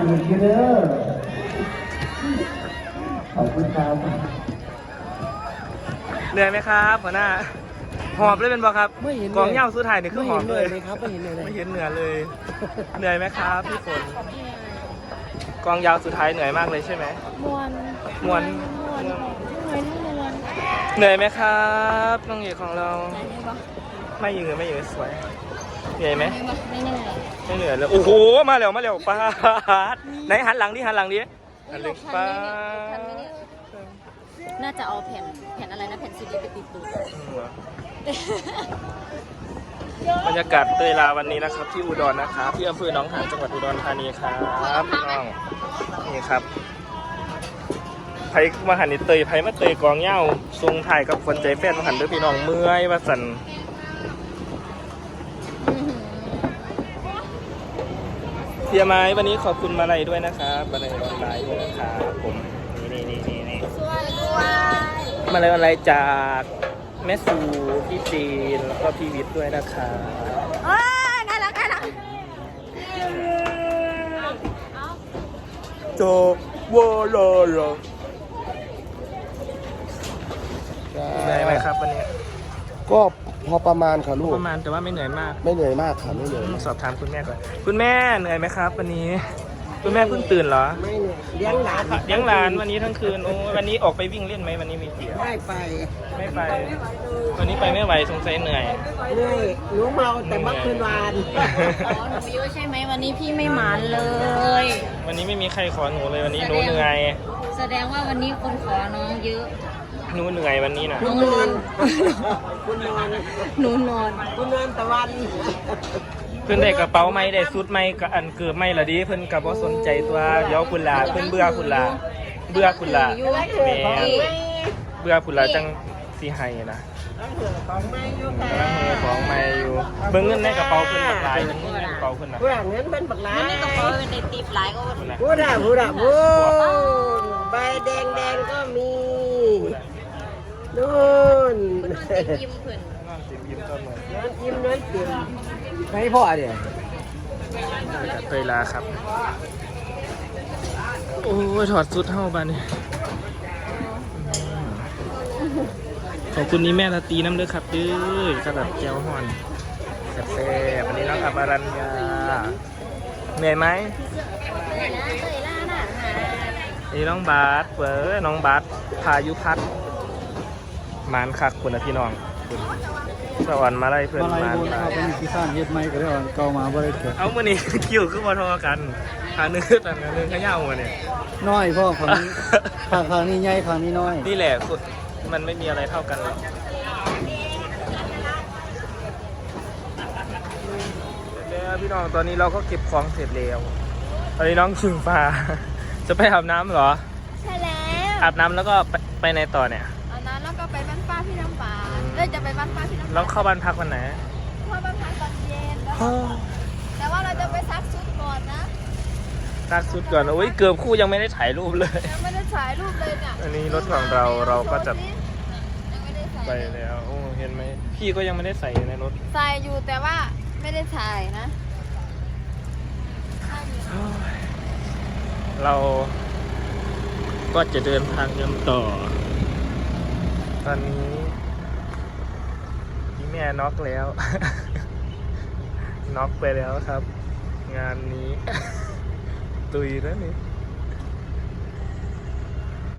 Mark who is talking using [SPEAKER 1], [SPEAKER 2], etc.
[SPEAKER 1] อีกเด้อขอบคุณครับ
[SPEAKER 2] เหนื่อยไหมครับหัวหน้าหอบเลยเป็นบ่ครับ
[SPEAKER 3] ไม่เห็น
[SPEAKER 2] กองเหย้าสุดท้ายนี่คือหอบเลย
[SPEAKER 3] ครับไม่เห็นเลย
[SPEAKER 2] ไม่เห็นเหนื่อยเลย เหนื่อยไหมครับพี่ฝนกองยาวสุดท้ายเหนื่อยมากเลยใช่ไหมมวนเหนื่อยไหมครับน้องเอกของเราไม่ยืนสวยเหนื่อยไหมไม่เหนื่อยเลยโอ้โหมาเร็วป้าดไหนหันหลังดิหันหลังป้าด
[SPEAKER 4] น่าจะเอาแผ่นอะไรนะแผ่นซีดีไปติดตูด
[SPEAKER 2] บรรยากาศเตยลาวันนี้นะครับที่อุดรนะครับที่อำเภอหนองหานจังหวัดอุดรธานีครับพี่น้องนี่ครับไผ่มาหันนี่เตยไผ่มาเตยกองเหย้าทรงถ่ายกับคนใจแฟนมาหันด้วยพี่น้องเมื่อยว่าสันเพียไม้วันนี้ขอบคุณมาลัยด้วยนะครับมาลัยออนไลน์ด้วยนะครับผมนี่มาลัยออนไลน์จากแม่สูพี่จีนแล้วก็พี่วิทย์ด้วยนะครับ
[SPEAKER 4] น่ารัก
[SPEAKER 2] โจวอลโลเหนื่อยไหมครับวันนี้
[SPEAKER 3] ก็พอประมาณค่ะลูก
[SPEAKER 2] ประมาณแต่ว่าไม่เหนื่อยมาก
[SPEAKER 3] ไม่เหนื่อยมากค่ะไม่เหนื่อย
[SPEAKER 2] สอบถามคุณแม่ก่อนคุณแม่เหนื่อยไหมครับวันนี้คุณแม่เพิ่งตื่นเหรอ
[SPEAKER 3] ไม่เหนื่อยเลี้ยงหลาน
[SPEAKER 2] เลี้ยงหลานวันนี้ทั้งคืนโอ้วันนี้ออกไปวิ่งเล่นไหมวันนี้มีเที่ยว
[SPEAKER 3] ไม่ไป
[SPEAKER 2] ไม่ไปวันนี้ไปไม่ไหวสงสัยเหนื่อย
[SPEAKER 3] เหนื่อยหนูเมาแต่เมื่อคืนวาน
[SPEAKER 4] อ๋อหนูเยอะใช่ไหมวันนี้พี่ไม่หมานเลย
[SPEAKER 2] วันนี้ไม่มีใครขอหนูเลยวันนี้หนูเหนื่อย
[SPEAKER 4] แสดงว่าวันนี้คนขอน้องเยอะ
[SPEAKER 2] หนูเหนื่อยวันนี้นะ
[SPEAKER 3] คุณนอนคุณนอน
[SPEAKER 4] หนูนอน
[SPEAKER 3] คุณนอนตะวัน
[SPEAKER 2] เพื่อนได้กระเป๋าไหมได้ชุดไหมกับอันเกือบไหมล่ะดิเพื่อนกับว่าสนใจตัวเดี๋ยวคุณลาเพื่อนเบื่อคุณลาแม่เบื่อคุณลาจังสีไห้นะ
[SPEAKER 3] ของไม่อยู่ค่ะ
[SPEAKER 2] กำลังมือของไม่อยู่เบิ่งเงินในกระเป๋าเพื่อนบักหลายเบิ่งเงินในกระเป๋าเพื่อนนะ
[SPEAKER 3] ผู้หลังเงินเป็นบักหลา
[SPEAKER 4] วันนี้ก็พอเป็นในตีบหลายก็
[SPEAKER 3] ผู้ด่าใบแดงก็มีนู่น
[SPEAKER 4] คุณนอนตียิ้มเพื่อน
[SPEAKER 2] นอนยิ้มก็เหมือน
[SPEAKER 3] น้ำจิ้มน้ำจิ้มไม่พ่อเดี๋ยว
[SPEAKER 2] เตยลาครับโอ้ยถอดชุดเท่าบ้านนี่ขอบคุณนี้แม่ละตีน้ำเลือครับดื้อกระดับแก้วห่อนแซ่บๆวันนี้น้องอับารัญญาเหนื่อยไหมนี่น้องบาสน้องบาสพายุพัฒน์มานคักคุณนะพี่น้องสวรรค์มาไล่เพื่อนมาน
[SPEAKER 1] ครับเป็นพิซซ่าเฮ็ดไหมก็ได้เก่ามาบ่ได้เกิด
[SPEAKER 2] เอามื่อนี้ คิวคือมาทอกันทางนึงต่างกันนึงขย่ามาเนี่ย
[SPEAKER 1] น้อยพ่อฝั่งนี้ฝั่งนี้ใหญ่ฝั่งนี้น้อย
[SPEAKER 2] นี่แหละมันไม่มีอะไรเท่ากันหรอกแล้วพี่น้องตอนนี้เราก็เก็บของเสร็จแล้วตอนนี้น้องชิงฟ้า จะไปอาบน้ำเหรอ
[SPEAKER 4] ใช่แล้ว
[SPEAKER 2] อาบน้ำแล้วก็ไปในต่อเนี่ย
[SPEAKER 4] เอาน้ำแล้วก็ไปบ้านป้าพี่น้ำปานจะไปบ้านป้าพี่น้ำปาน
[SPEAKER 2] แล้วเข้าบ้านพักวันไหน
[SPEAKER 4] เข้าบ้านพักตอนเย็นแต่ว่าเราจะไปซักชุดก่อนนะ
[SPEAKER 2] ซักชุดก่อนโอ้ยเกือบคู่ยังไม่ได้ถ่ายรูปเลย
[SPEAKER 4] ยังไม่ได้ถ่ายรูปเลยเนี่ย
[SPEAKER 2] อันนี้รถของเราก็จะ
[SPEAKER 4] ยังไม่ได้ใส่
[SPEAKER 2] ไปแล้วโอ้เห็นไหมพี่ก็ยังไม่ได้ใส่ในรถ
[SPEAKER 4] ใส่อยู่แต่ว่าไม่ได้ถ่ายนะ
[SPEAKER 2] เราก็จะเดินทางกันต่อ ตอนนี้พี่แม่น็อกแล้ว น็อกไปแล้วครับ งานนี้ ตุยแล้วนี่